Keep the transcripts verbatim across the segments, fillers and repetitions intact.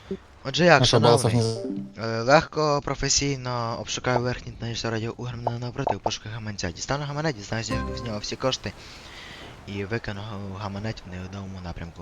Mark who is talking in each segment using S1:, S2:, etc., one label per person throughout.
S1: Отже як,
S2: А що, баласов
S1: шановний,
S2: не...
S1: е, легко, професійно обшукаю верхній та нижній радіо угрумленого навпроти у пошуках гаманця. Дістану гаманець, дізнаюся з нього всі кошти і викину гаманець в невідомому напрямку.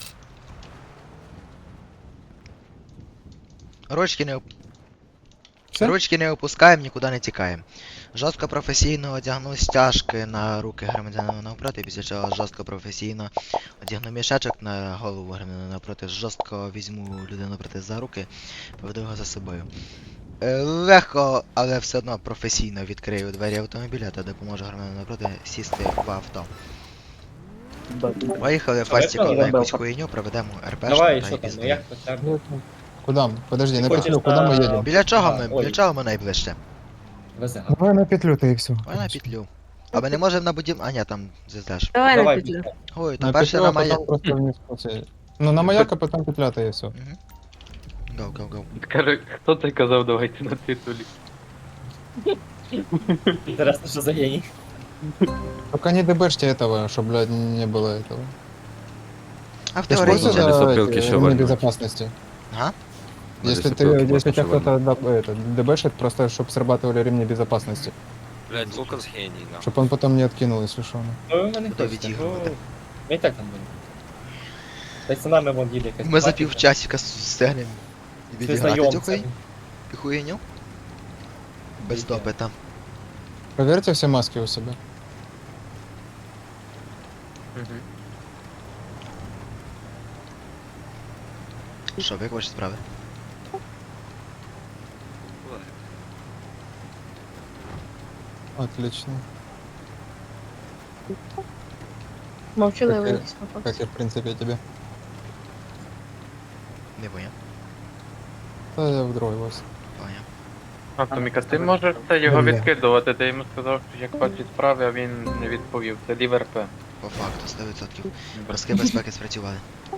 S1: Ручки не, оп-
S2: Все?
S1: Ручки не опускаємо, нікуди не тікаємо. Жорстко професійно одягну стяжки на руки громадянина навпроти, після чого жорстко професійно одягну мішечок на голову громадянина навпроти, жорстко візьму людину навпроти за руки, поведу його за собою. Е, Легко, але все одно професійно відкрию двері автомобіля та допоможу громадянину навпроти сісти в авто. Поїхали
S3: Що,
S1: фастиком на
S3: виконали?
S1: якусь хуйню, проведемо РПшку
S3: Давай,
S1: та й
S3: що там, ну
S1: пізди.
S3: як по тебе?
S2: Ну, ну, Куда мы? Подожди,
S3: Ти
S2: на
S3: хочеш
S2: петлю, куда мы
S3: на-
S2: едем?
S1: Біля чого
S3: Ага,
S1: ми?
S3: ой.
S1: Біля чого ми найближче?
S3: Везе.
S2: Давай на петлю-то и все.
S1: Ой, на петлю. А ми не можемо на будів... А ні, там звіздаш.
S4: Давай,
S3: Давай,
S4: на петлю.
S3: пішли.
S1: Ой, то
S2: На
S1: перше
S2: петлю,
S1: на
S2: а
S1: має...
S2: потом просто вниз пути. Ну, на маяк, а потом петля-то и все.
S1: Угу. Гоу, гоу, гоу.
S5: Скажи, хто це казав, давайте на титулі?
S3: Інтересно, що за геній.
S2: Только не дебешьте этого, чтобы, блядь, не было этого.
S1: А в
S2: Ты ж в
S1: теорії
S2: курсе
S6: Можно
S1: ні.
S2: за
S6: лесопилки
S2: эти
S6: еще
S2: ремни
S6: вольнуть?
S2: безопасности?
S1: Ага.
S6: На
S2: Если ты,
S6: лесопилке
S2: если
S6: можно
S2: тебя
S6: еще
S2: кто-то да, это, дебешит, просто чтобы срабатывали ремни безопасности.
S6: Блять, Лукас гений, да.
S2: Чтобы он потом не откинул, если что.
S3: Ну, ви мене
S1: Буду
S3: хочете,
S1: відігрувати.
S3: ну, ми і так там будемо. Та й за нами вон їде якась
S1: Ми за
S3: патіка.
S1: півчасика стягнемо
S3: Це
S1: відіграти цю хуй-
S3: знайомця.
S1: хуйню. Без
S3: Відео.
S1: допита.
S2: Проверьте все маски у себя.
S1: Що, як ваші справи?
S2: Отлично.
S4: Мовчаливий
S2: Как,
S4: якийсь
S2: Как
S4: хлопець.
S2: и, в принципе, тебе.
S1: Не поняв.
S2: Да, я в другой вас.
S1: Поняв.
S5: Автоміка, ти можеш це його
S2: Бля.
S5: відкидувати, ти йому сказав, що як ваші справи, а він не відповів. Це лівер П.
S1: По факту, сто відсотків. Броски безпеки спрацювали.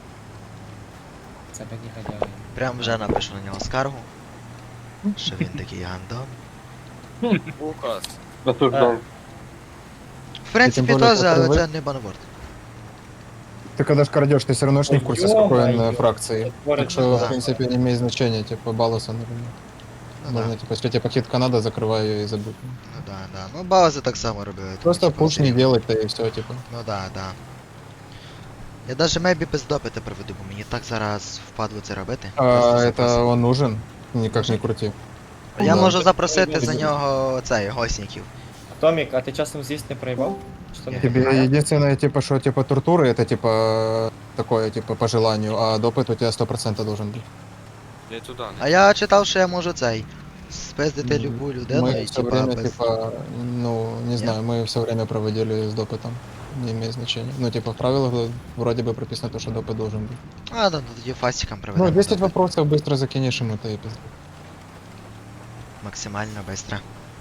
S3: Це мені гадяє.
S1: Прям вже напишу на нього скаргу. Що він такий гандон.
S6: Лукас.
S5: Осуждав.
S1: В принципі,
S2: тим більше,
S1: теж, але
S2: коли ви-
S1: це не баноборд.
S2: Ты когда ж крадешь, ты все равно ж не в курсе, с какой он
S3: Ё-моё.
S2: э, фракции.
S3: Творить
S2: Так что, в
S1: да.
S2: принципе, не имеет значения, типа, балласа, например.
S1: Ну
S2: Можно,
S1: да,
S2: типа, если тебе пакет Канада, закрываю ее и забудь.
S1: ну да, да. Ну бази так само робили. тому
S2: Просто
S1: що
S2: пуш не
S1: потрібно.
S2: делать-то и все, типа.
S1: Ну да, да. Я даже мейбі без допита проведу, бо мені так зараз впадло це робити.
S2: А
S1: Просто
S2: это
S1: запросити.
S2: он нужен? Никак не крути.
S1: Я
S2: Да.
S1: можу запросити за
S3: Ой,
S1: нього цей гостників.
S3: Томік, а ти часом з'їсть не проїбав? Чи то не
S1: Ні.
S2: Тебе
S3: проїбав?
S2: единственное, типа, что, типа, туртуры, это, типа, такое, типа, по желанию, а допыт у тебя сто процентов должен быть.
S6: Не туда,
S1: А
S6: не
S1: я читав, що я можу цей. Спиздити любу людину
S2: Мы
S1: і
S2: все
S1: типа
S2: время,
S1: без.
S2: типа, ну, не знаю, мы все время проводили с допытом. Не имеет значения. Ну, типа, в правилах э, вроде бы прописано то, что допыт должен быть.
S1: А, ну тоді фастиком проведемо.
S2: Ну, десять
S1: допит.
S2: вопросов быстро закинешь ему, то и пизда.
S1: Максимально быстро.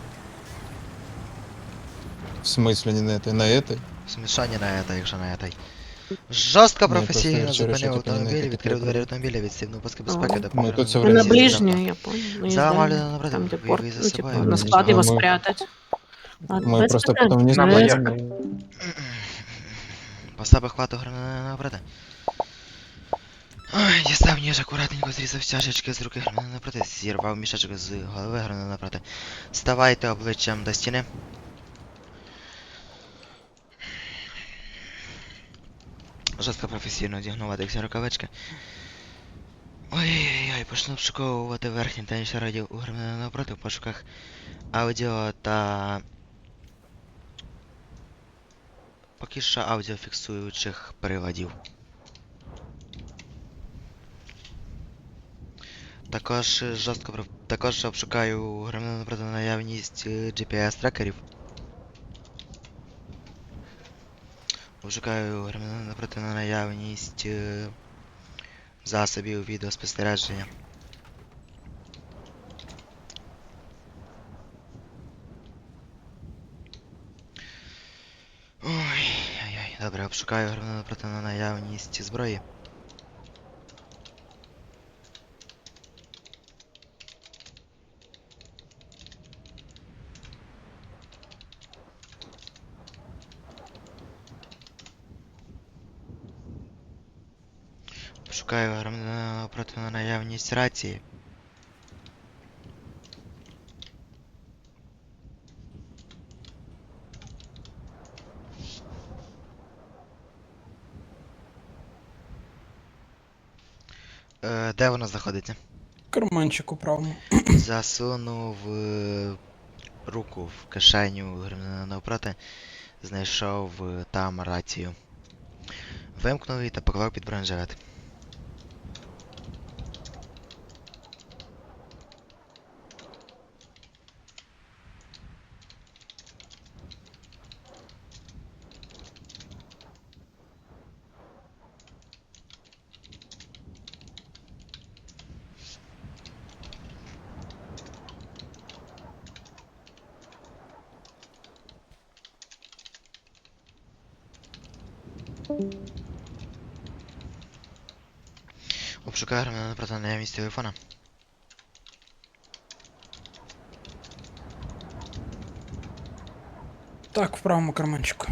S2: В смысле не на этой? На этой?
S1: Смішання на это, якщо на этой. Жорстко
S2: Ні, просто
S1: професійно
S2: я вчора ще
S1: зупинив
S2: типу, не
S1: автомобіль,
S2: такі
S1: відкрив
S2: приколи.
S1: двері автомобіля, відстібнув паски безпеки,
S4: Ну,
S1: допомогли.
S2: тут все
S4: Ну,
S2: время
S4: на
S2: здесь,
S4: ближнюю, я понял. Ну,
S1: За
S4: езда,
S1: Малину напротив,
S4: там, где
S1: вы-
S4: порт,
S1: вы за
S4: ну,
S1: собой.
S4: типа, на
S2: Ну,
S4: склад
S2: а
S4: его
S2: мы-
S4: спрятать. Ладно,
S2: Мы
S4: без
S2: просто
S4: проблем.
S2: потом вниз
S5: На
S2: полезем.
S5: маяк.
S1: Поставив хвату гранати напроти. Ой, дістав ніж, акуратненько зрізав стяжечки з руки гранати напроти, зірвав мішечок з голови гранати напроти. Ставайте обличчям до стіни. Жорстко професійно одягнув адексі рукавички. Ой-ой-ой, почну обшуковувати верхній та нижній радіо у гранати напроти в пошуках аудіо та... Поки що аудіофіксуючих приладів. Також е, жорстко про- також обшукаю громадянина напроти на наявність е, джі пі ес-трекерів. Обшукаю громадянина напроти на наявність е, засобів відеоспостереження. Ой, ой-ой, добре, обшукаю громадянина напроти на наявність зброї. Обшукаю громадянина навпроти на наявність рації. Е, де вона знаходиться?
S7: Карманчик у правому.
S1: Засунув е, руку в кишеню громадянина навпроти, знайшов е, там рацію. Вимкнув її та поклав під бронежилет. Обшукаю громадянина навпроти на наявність телефона.
S7: Так, в правому карманчику.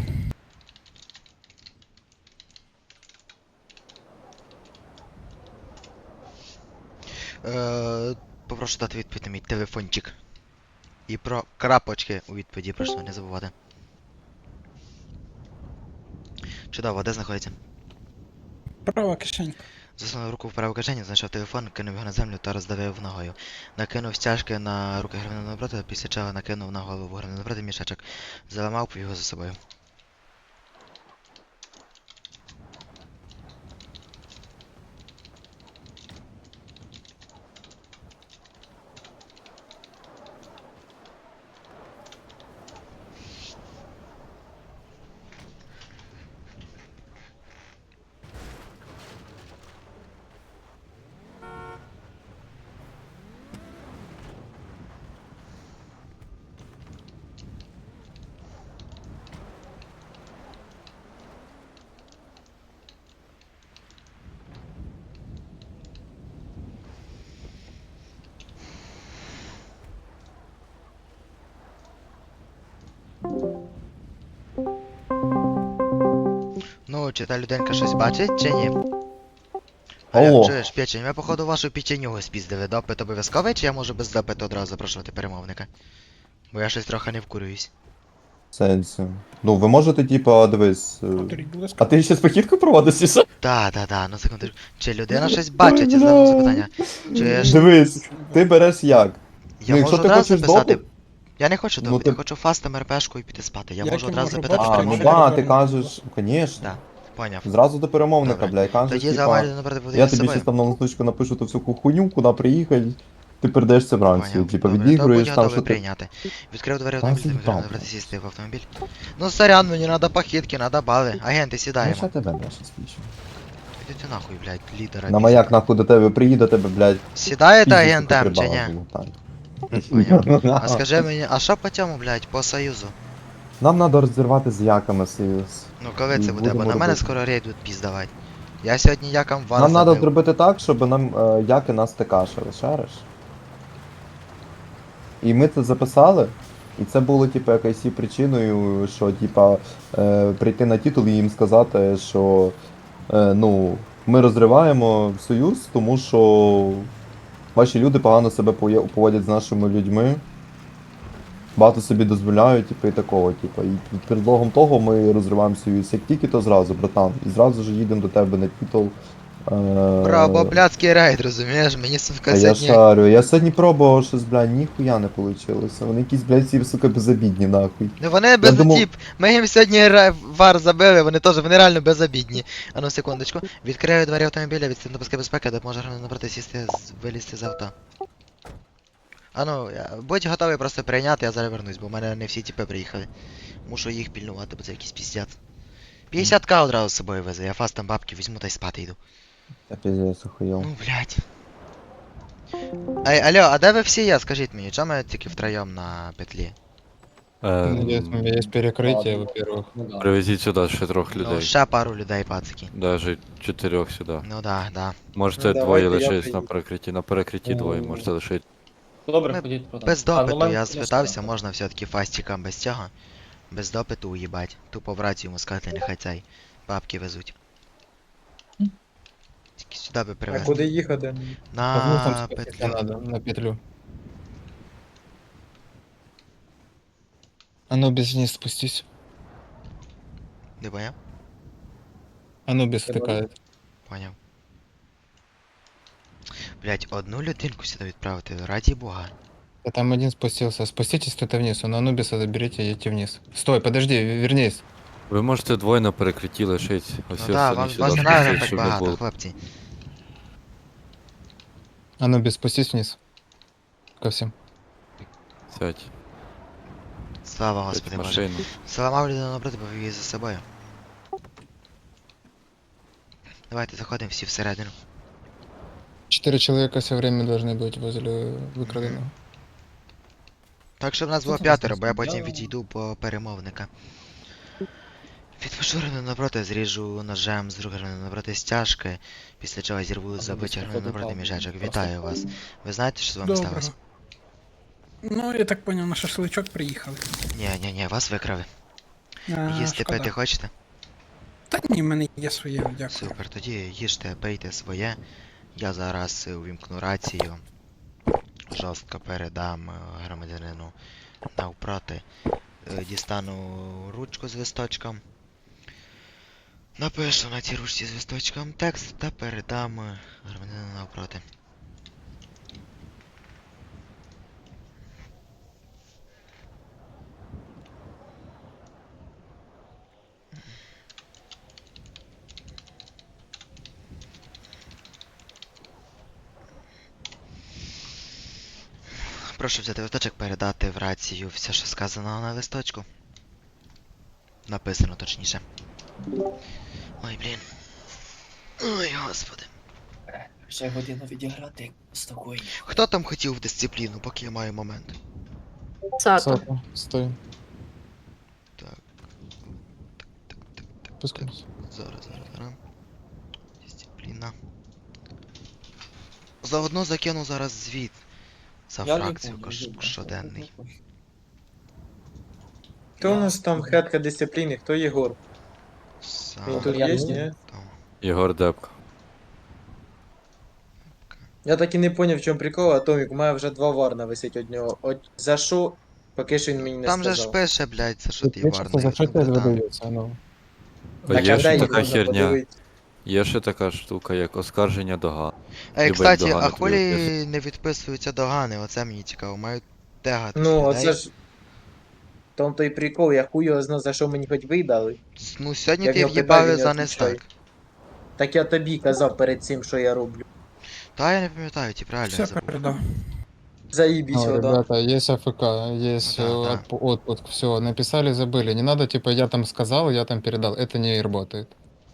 S1: Е, попрошу дати відповідь на мій телефончик. І про крапочки у відповіді прошу не забувати. Чудово, де знаходиться?
S7: Права кишенька.
S1: Засунув руку в праву кишеню, знайшов телефон, кинув його на землю та роздавив ногою. Накинув стяжки на руки громадянина навпроти, після чого накинув на голову громадянина навпроти мішечок. Заламав його за собою. Ну, чи та людинка щось бачить, чи ні? Аля,
S8: Алло.
S1: чуєш, печень, ми походу вашу печенюгу спіздили. Допит обов'язковий, чи я можу без допиту одразу запрошувати перемовника? Бо я щось трохи не вкурююсь.
S8: Сенсі. Ну, ви можете, типа, дивись. е,
S7: Повторіть, будь ласка.
S8: А ти ще спохідку проводиш, чи що?
S1: Та, та, та, ну секундочку. Чи людина щось бачить, я задам запитання. Чуєш,
S8: Дивись, ти береш як?
S1: я
S8: ну, якщо
S1: можу
S8: ти
S1: одразу
S8: хочеш
S1: записати.
S8: допит-
S1: Я не хочу
S8: Ну,
S1: допит,
S8: ти-
S1: я хочу фастом РПшку і піти спати. Я
S7: Як
S1: можу
S7: я
S1: одразу
S7: можу
S1: запитати
S7: бачити?
S8: А, ну
S1: перемовника.
S8: да, ти кажеш, звісно.
S1: Да, поняв.
S8: Зразу до перемовника,
S1: Добре.
S8: бля, і кажеш,
S1: Тоді
S8: типа,
S1: замалю напроти буде
S8: я
S1: з
S8: тобі
S1: собою.
S8: щось там на листочку напишу ту всю хуйню, куди приїхати, ти передаєш це вранці,
S1: Поняв.
S8: типа,
S1: Добре, то
S8: відігруєш
S1: будь
S8: там,
S1: готовий
S8: що ти...
S1: прийняти. Відкрив двері
S8: Та
S1: автомобіля,
S8: заїбав,
S1: вибрав
S8: блядь.
S1: сісти в автомобіль. Ну, сорян, мені надо похитки, надо бали. Агенти,
S8: Ну,
S1: сідаємо.
S8: ще тебе, бля, ще спішу.
S1: Іди ти нахуй, блядь, лідера.
S8: На маяк нахуй до тебе приїде, тебе, блядь,
S1: Сідаєте
S8: піздець,
S1: агентам
S8: сука,
S1: чи ні?
S8: прибагу, так.
S1: Поняв. А скажи мені, а що по цьому, блядь, по союзу?
S8: Нам треба розірвати з яками союз.
S1: Ну коли
S8: І
S1: це буде, бо
S8: будемо
S1: на мене
S8: робити.
S1: скоро рейд будуть піздавати. Я сьогодні якам вар
S8: Нам треба
S1: забив.
S8: зробити так, щоб нам е, яки нас текашили, шариш? І ми це записали, і це було, типу, якоюсь і причиною, що, типа, е, прийти на титул і їм сказати, що е, ну, ми розриваємо союз, тому що ваші люди погано себе поє- поводять з нашими людьми. Багато собі дозволяють, типу, і такого, типу. І під предлогом того ми розриваємо союз. Як тільки, то зразу, братан. І зразу ж їдемо до тебе на титул. Е,
S1: Бра, бо блядський рейд, розумієш? Мені сука
S8: Та я
S1: сьогодні...
S8: шарю, я сьогодні пробував щось, бля, ніхуя не получилося. Вони якісь, блядь, всі, сука, безобідні, нахуй.
S1: Ну вони без
S8: думав-
S1: тип. Ми їм сьогодні ре- вар забили, вони теж, вони реально безобідні. А ну секундочку. Відкрию двері автомобіля, відстань до паски безпеки, допоможе громадянину напроти сісти, з- вилізти з авто. А ну, я- будь готовий просто прийняти, я зараз вернусь, бо в мене не всі тіпи приїхали. Мушу їх пільнувати, бо це якийсь піздець. п'ятдесят к одразу з собою везе, я фастом бабки візьму та й спати йду.
S8: Я піздець охуєв.
S1: Ну, блядь. Ей, алло, а де ви всі є, скажіть мені, чому ми тільки втроєм на петлі?
S2: Надеюсь, у меня есть перекрытие,
S3: Ладно.
S2: во-первых.
S3: Ну да.
S6: Привезіть сюди ще трьох
S1: Ну,
S6: людей.
S1: ще пару людей, пацики.
S6: Даже чотирьох сюди.
S1: Ну да, да.
S6: Можете
S3: Ну,
S6: двоє
S3: давайте я
S6: лишитись на
S3: приїду.
S6: перекритті. На перекритті
S3: Ну,
S6: двоє можете лишити.
S3: Добре,
S1: Ми
S3: ходіть продам.
S1: Без
S3: А, ну,
S1: допиту,
S3: мен-
S1: я
S3: я
S1: спитався,
S3: скажу.
S1: можна все-таки фастикам без цього. Без допиту уїбать. Тупо в рацію йому сказати, нехай цей бабки везуть. Тільки сюди би
S3: А
S1: привезти.
S3: куди їхати?
S2: А вниз там
S1: На
S2: спуститься
S1: петлю.
S2: надо, на петлю. Анубис вниз спустись.
S1: Не поняв?
S2: Анубис
S3: Я
S2: втыкает.
S1: Поняв. Блять, одну людинку сюди відправити, раді бога.
S2: Да там один спустился. Спуститесь кто-то вниз, он Анубиса заберите и идите вниз. Стой, подожди, в- вернись.
S6: Ви можете двоє на перекритті лишити.
S1: Ну
S6: Ось
S1: так,
S6: остальні
S1: вам
S6: сюди
S1: вас не
S6: спустіть,
S1: треба так
S6: щоб не
S1: багато,
S6: було.
S1: хлопці.
S2: Анубис, спустись вниз. Ко всем.
S6: Сядь.
S1: Слава
S6: Сядь
S1: Господи
S6: в
S1: Боже.
S6: машину.
S1: Заламав людину напроти, повів її за собою. Давайте заходимо всі всередину.
S2: Четыре человека все время должны быть возле выкраденного.
S1: Так, щоб нас було
S2: там
S1: п'ятеро, бо я
S2: знайшли?
S1: потім
S3: Я-
S1: відійду по перемовника. Відпошурену напроти зріжу ножем з другої напроти стяжки, після чого зірву за витягнений напроти міжечок. Вітаю вас. Ви знаєте, що з вами
S7: Доброго.
S1: сталося?
S7: Ну, я так поняв, на шашличок приїхали.
S1: Ні, ні, ні, вас викрали.
S7: А,
S1: Їсти
S7: шкода.
S1: пити хочете?
S7: Та ні, в мене є своє, дякую.
S1: Супер, тоді їжте, пийте своє. Я зараз е, увімкну рацію. Жорстко передам е, громадянину навпроти. Е, Дістану ручку з листочком. Напишу на цій ручці з листочком текст та передам е, громадянину навпроти. Прошу взяти листочок, передати в рацію все, що сказано на листочку. Написано точніше. Ой, блін. Ой, господи.
S3: Ще годину відіграти спокійно.
S1: Хто там хотів в дисципліну, поки я маю момент?
S4: Сато.
S2: Сато, стой.
S1: Так,
S2: Спускайся.
S1: зараз, зараз, зараз. Дисципліна. Заодно закину зараз звіт. За фракцію кош- щоденний.
S3: Хто у нас там хетка дисципліни? Хто Єгор? Він тут
S1: Сам
S3: є, ні?
S1: там.
S6: Єгор Депко.
S3: Я так і не поняв, в чому прикол, Атомік, у мене вже два варна висить од нього. От за що, поки що він мені не
S1: Там же ж
S3: сказав.
S1: пише, блядь, за що ти
S2: Пишется,
S1: варний.
S2: за что
S1: ну,
S2: тебе
S1: братан.
S2: выдается, ну.
S6: А
S3: Так,
S6: є
S3: а
S6: ще
S3: де їх
S6: така
S3: можна
S6: херня.
S3: подивитися?
S6: Є ще така штука, як оскарження доган.
S1: Ей,
S6: Любить
S1: кстати,
S6: догани
S1: а
S6: тобі
S1: хвилі
S6: виписують.
S1: не відписуються догани, оце мені цікаво, мають тегати
S3: Ну,
S1: людей.
S3: оце ж. В тому то й прикол, я хуй його знав, за що мені хоч видали.
S1: Ну, сьогодні
S3: Я
S1: ти
S3: в нього
S1: в'їбали
S3: питаю, він
S1: за
S3: не
S1: нестак.
S3: відповідає. Так я тобі казав перед цим, що я роблю.
S1: Та я не пам'ятаю, ті правильно я
S7: Все
S1: забув.
S7: передав.
S3: Заїбісь,
S2: Ну,
S3: вода.
S2: ребята, есть АФК, есть
S1: Ну да,
S2: э, отп- отпуск, все, написали, забыли. Не надо, типа, я там сказал, я там передал. Это не работает.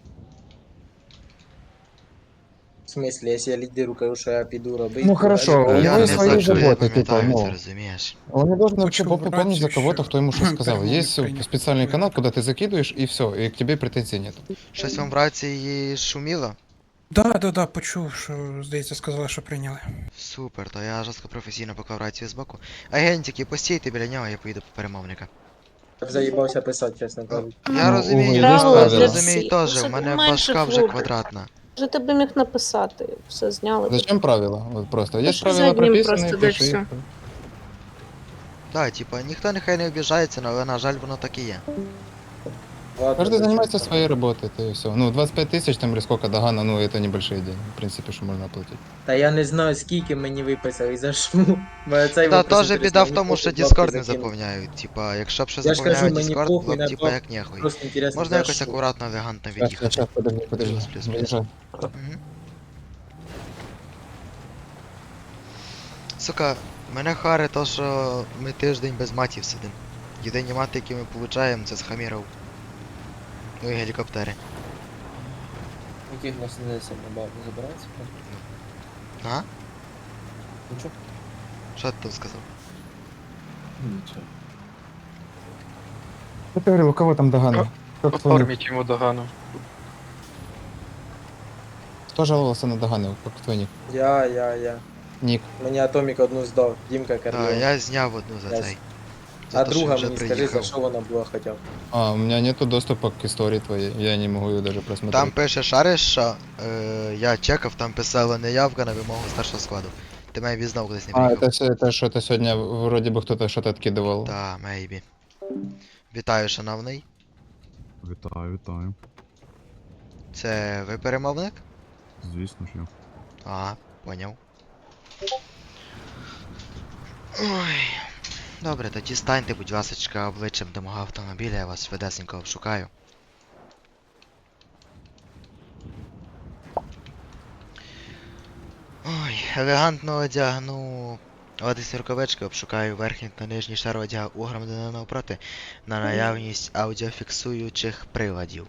S3: В смислі, якщо я лідеру кажу, що я піду робити.
S2: Ну, хорошо,
S3: а
S2: у
S3: лідер-
S1: Я
S2: него
S1: не
S2: есть свои
S1: знаю, що я
S2: заботы,
S1: пам'ятаю,
S2: типа,
S1: ти
S2: ну.
S1: розумієш.
S2: Он не должен вообще
S7: Хочу
S2: поп-
S7: в
S2: помнить за
S7: рацию
S2: кого-то,
S7: еще.
S2: кто ему что сказал.
S7: Перемовник
S2: Есть
S7: принят.
S2: специальный канал, куда ты закидываешь, и все, и к тебе претензий нет.
S1: Щось вам в рації шуміло?
S7: Да, да, да, почув, що, здається, сказали, що прийняли.
S1: Супер, то я жорстко професійно поклав рацію збоку. Агентики, постійте біля нього, я поїду по перемовника.
S3: Я б заїбався писати, чесно кажучи.
S1: Я
S2: Ну,
S1: розумію,
S2: Уго,
S1: я
S2: є
S4: правила
S2: правила?
S4: для
S1: розумію
S4: всіх.
S1: теж,
S4: Вже
S1: в мене
S4: менше
S1: башка вже
S4: фруків.
S1: квадратна.
S4: Вже ти б міг написати, все зняли. б.
S2: Зачем правила? Вот просто. Есть
S4: ж
S2: правила
S4: задним
S2: прописанные,
S4: просто, да,
S2: пиши.
S4: всё.
S1: Так, типа, ніхто нехай не обіжається, але на жаль воно так і є.
S3: Ладно,
S2: Каждый
S3: зачем
S2: занимается
S3: там?
S2: своей работой, это и все. Ну, двадцать пять тысяч там или сколько догана, ну, это небольшие деньги, в принципе, что можно оплатить.
S3: Та я не знаю, скільки мені виписали і за що. Мене цей
S1: Та
S3: вопрос
S1: теж біда
S3: інтересує,
S1: в
S3: мені
S1: тому, що
S3: похуй, бабки
S1: Discord не
S3: закинуть.
S1: заповняють. Типа, якщо б ще
S3: Я ж кажу,
S1: заповняють
S3: мені
S1: Discord,
S3: похуй
S1: було б
S3: на
S1: типа
S3: бабки.
S1: як нехуй.
S3: Просто інтересно,
S1: Можна
S3: за
S1: якось
S3: що.
S1: акуратно, елегантно
S2: Сейчас,
S1: від'їхати.
S2: сейчас, подожди, подожди.
S1: Плюс, плюс, плюс.
S2: Выезжай.
S1: Мгм. Сука, мене харе то, що ми тиждень без матів сидим. Єдині мати, які ми получаємо, це з хаміров. Ну і гелікоптери.
S3: Яких нас не сильно багато забирається?
S1: А?
S3: Нічого.
S1: Що ти там сказав?
S3: Нічого.
S2: Что ты говорил, у кого там догана? Как твой ник?
S5: Оформіть йому догану.
S2: Кто жаловался на доганы? Как твой ник?
S3: Я, я, я.
S2: Ник.
S3: Мені Атомік одну здав, Дімка
S1: Так,
S3: Карлів.
S1: я зняв одну за
S3: Я
S1: цей.
S3: А
S1: те, що
S3: друга
S1: вже
S3: мені скажи, за
S1: приїхав.
S3: що вона була хоча б.
S2: А, у меня нету доступа к истории твоей, я не могу ее даже просмотреть.
S1: Там пише шариш, що е, я чекав, там писало неявка на вимогу старшого складу. Ти має знову кудись не
S2: А,
S1: приїхав.
S2: это, с- это что-то сегодня вроде бы кто-то что-то откидывал.
S1: Та, мейбі. Вітаю, шановний.
S9: Вітаю, вітаю.
S1: Це ви перемовник?
S9: Звісно ж я.
S1: Ага, поняв. Ой. Добре, тоді станьте, будь ласочка, обличчям до мого автомобіля, я вас швидесенько обшукаю. Ой, елегантно одягну одяг рукавички, обшукаю верхній та нижній шар одягу у громадянина навпроти на наявність аудіофіксуючих приладів.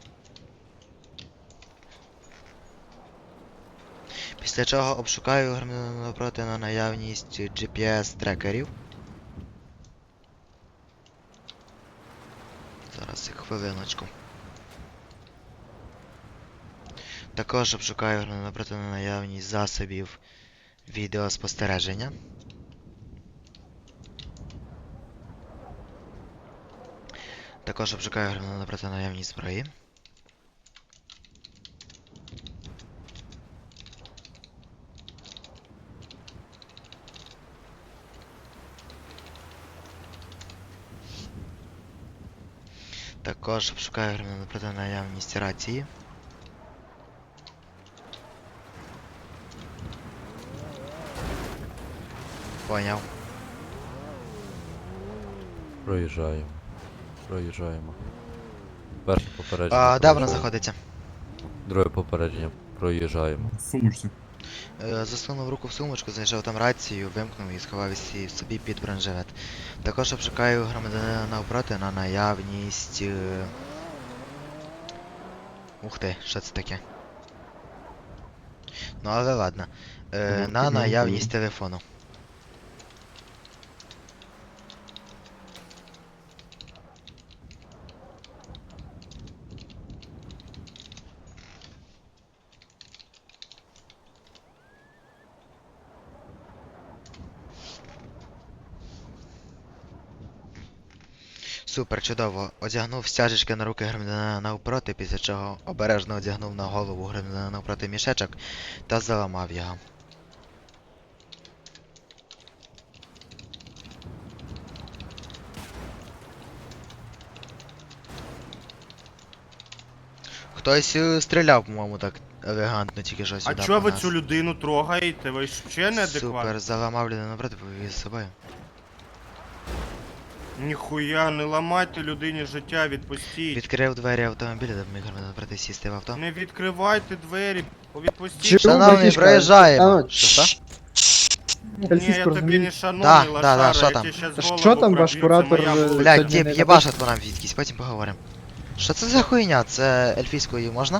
S1: Після чого обшукаю громадянина навпроти на наявність джі пі ес-трекерів. Зараз хвилиночку. Також обшукаю громадянина навпроти на наявність засобів відеоспостереження. Також обшукаю громадянина навпроти на наявність зброї. Також обшукаю громадянина навпроти на наявність рації. Поняв.
S6: Проїжджаємо. Проїжджаємо. Перше попередження.
S1: А, де вона
S6: проїжджаємо.
S1: знаходиться?
S6: Друге попередження. Проїжджаємо.
S9: В сумочці.
S1: Е, Засунув руку в сумочку, знайшов там рацію, вимкнув і сховав її собі під бронежилет. Також обшукаю громадянина навпроти на наявність. е, Ух ти, що це таке? Ну але ладно. Е,
S9: Ага,
S1: на
S9: ага,
S1: наявність
S9: ага.
S1: телефону. Супер, чудово. Одягнув стяжечки на руки громадянина навпроти, після чого обережно одягнув на голову громадянина навпроти мішечок та заламав його. Хтось е, стріляв, по-моєму, так елегантно тільки що
S10: А
S1: сюди.
S10: чого
S1: по
S10: ви
S1: нас.
S10: цю людину трогаєте? Ви ж ще неадекватні?
S1: Супер, заламав людину навпроти, повів з собою.
S10: Ніхуя, не ламайте людині життя, відпустіть.
S1: Відкрив двері автомобіля, допоміг громадянину навпроти сісти в авто.
S10: Не відкривайте двері, відпустіть.
S1: Шановний, проїжджаємо. Що, що?
S10: Ні, я тобі не шановний,
S1: Да, да,
S10: лошара,
S1: да, що
S10: я
S1: там?
S10: тебе щас
S2: Що
S10: голову
S2: там ваш
S10: проб'ю, це
S2: куратор,
S10: моя
S2: е,
S10: вулиця.
S1: Блядь,
S2: Сьогодні
S1: тип,
S2: не
S1: єбашить по нам відкись, потім поговоримо. Що це за хуйня? Це ельфійською можна?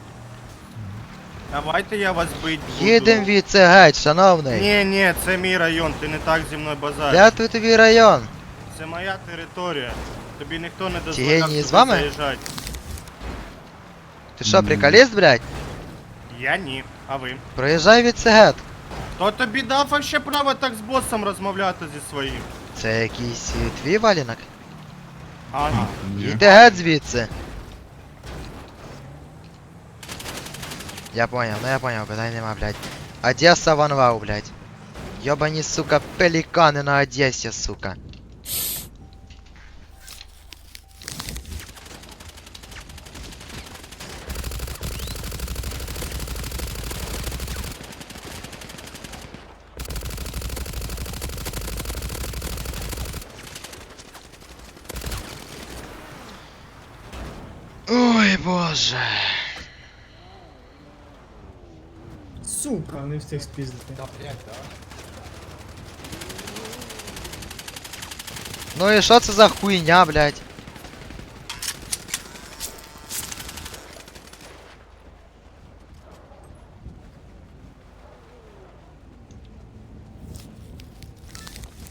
S10: Давайте я вас бить буду.
S1: Їдем від це геть, шановний.
S10: Ні, ні, це мій район, ти не так зі мною базариш.
S1: Де тут тобі район?
S10: Це моя територія. Тобі ніхто не
S1: Ті
S10: дозволяв
S1: генії
S10: сюди
S1: з вами?
S10: заїжджати.
S1: Ти що, приколіст, блядь?
S10: Я ні, а ви?
S1: Проїжджай від це геть.
S10: Хто тобі дав вообще право так з босом розмовляти зі своїм?
S1: Це якийсь е, твій валінок?
S10: А,
S9: Ні.
S1: Іди геть звідси. Я понял, ну я понял, питань нема, блядь. Одесса ванвау, блядь. Ёбані, сука, пеликаны на Одессе, сука. Ой, боже.
S11: Сука, не встиг спіздити.
S1: Ну і що це за хуйня, блядь?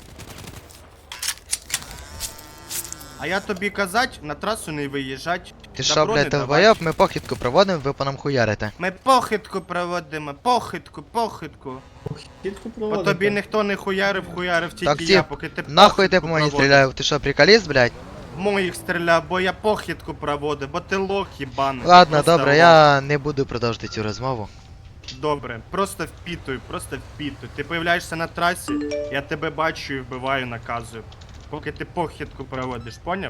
S10: а я тобі казать, на трасу не виїжджать.
S1: Ти
S10: Добро
S1: що,
S10: не
S1: блядь,
S10: давай.
S1: долбойоб, ми похідку проводимо, ви по нам хуярите.
S10: Ми похитку проводимо, похитку, похитку.
S11: Кітку
S10: По
S11: проводити.
S10: тобі ніхто не хуярив, хуярив тільки
S1: Так,
S10: я,
S1: тип,
S10: поки ти
S1: Нахуй ти по
S10: похитку
S1: мені
S10: проводив.
S1: стріляв, ти що, приколіст, блядь?
S10: В моїх стріляв, бо я похитку проводив, бо ти лох їбаний.
S1: Ладно,
S10: Просто
S1: добре,
S10: лох.
S1: я не буду продовжити цю розмову.
S10: Добре, просто впітуй, просто впітуй. Ти появляєшся на трасі, я тебе бачу і вбиваю, наказую. Поки ти похитку проводиш, поняв?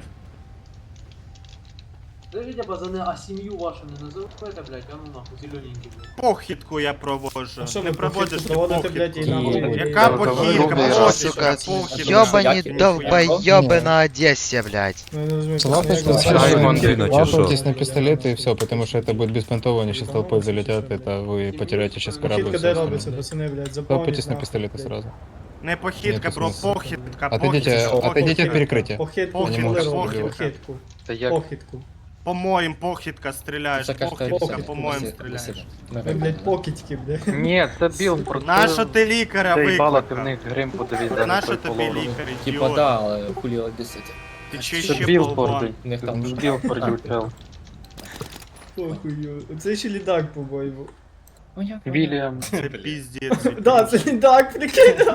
S12: Скажите, пацаны, а семью вашу не называйте, блядь, а ну нахуй, зелененький, блядь.
S10: Похитку я проводжу.
S11: А що
S10: Не
S11: ви
S10: проводиш
S11: похитку
S10: ти
S11: проводите, блядь, і
S10: похитку.
S11: нахуй?
S10: Яка
S5: Ну,
S10: похитка,
S1: Ви,
S10: похитка,
S1: сука,
S10: похитка.
S1: ёбані
S10: Ніхуя.
S1: долбойоби на Одесі, блядь.
S11: Ну, я не розумію,
S2: Лапайте,
S11: пацани, як
S6: Ай,
S11: ви-
S6: Вандина, чи що?
S2: лапайтесь на пистолеты и все, потому что это будет беспонтово, они сейчас толпой залетят, это вы потеряете сейчас корабль и
S11: Похитка
S2: все
S11: де робиться,
S2: остальное.
S11: пацани, блядь,
S2: Лапайтесь
S11: запомніть
S2: на
S11: нахуй,
S2: пистолеты
S11: блядь.
S2: сразу.
S10: Не похитка,
S2: Нету
S10: бро,
S2: смисла.
S10: похитка,
S2: Отойдите,
S10: похитка.
S2: отойдите от
S10: похитка.
S2: перекрытия.
S11: Похитку
S10: Похитка,
S11: коли
S2: похитка.
S11: робити,
S10: похитка.
S11: похитку.
S5: Та як?
S11: Похитку.
S10: По-моєму, похитка стріляєш, похитка, по-моєму стріляєш.
S11: Ви, блядь, покидьки, блядь.
S5: Ні, це біл, просто...
S10: Нащо ти лікаря
S5: Ти їбала, ти в
S10: викликав?
S5: них грим подивись, де
S10: Нащо
S5: той
S10: тобі
S5: половину.
S10: лікар,
S12: Типа,
S10: ідіот?
S12: да, але хулі одесити.
S10: Ти чи
S5: Це
S10: ще
S5: біл
S10: болван?
S5: пордий.
S12: них там
S5: Це біл пордий, чел.
S11: Похуй, оце ще лідак, по-моєму.
S5: Вільям.
S10: Це піздець.
S11: Да, це лідак, прикинь.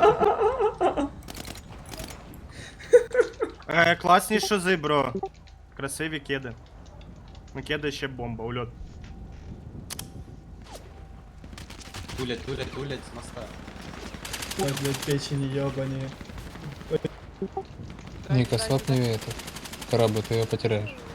S10: Е, класні шози, бро. Красиві кеди. Ну кеди ще бомба, ульот.
S3: Тулять, тулять, тулять з моста.
S11: Ой, блядь, печені йобані.
S2: Ника, свапни этот корабль, ты ее потеряешь.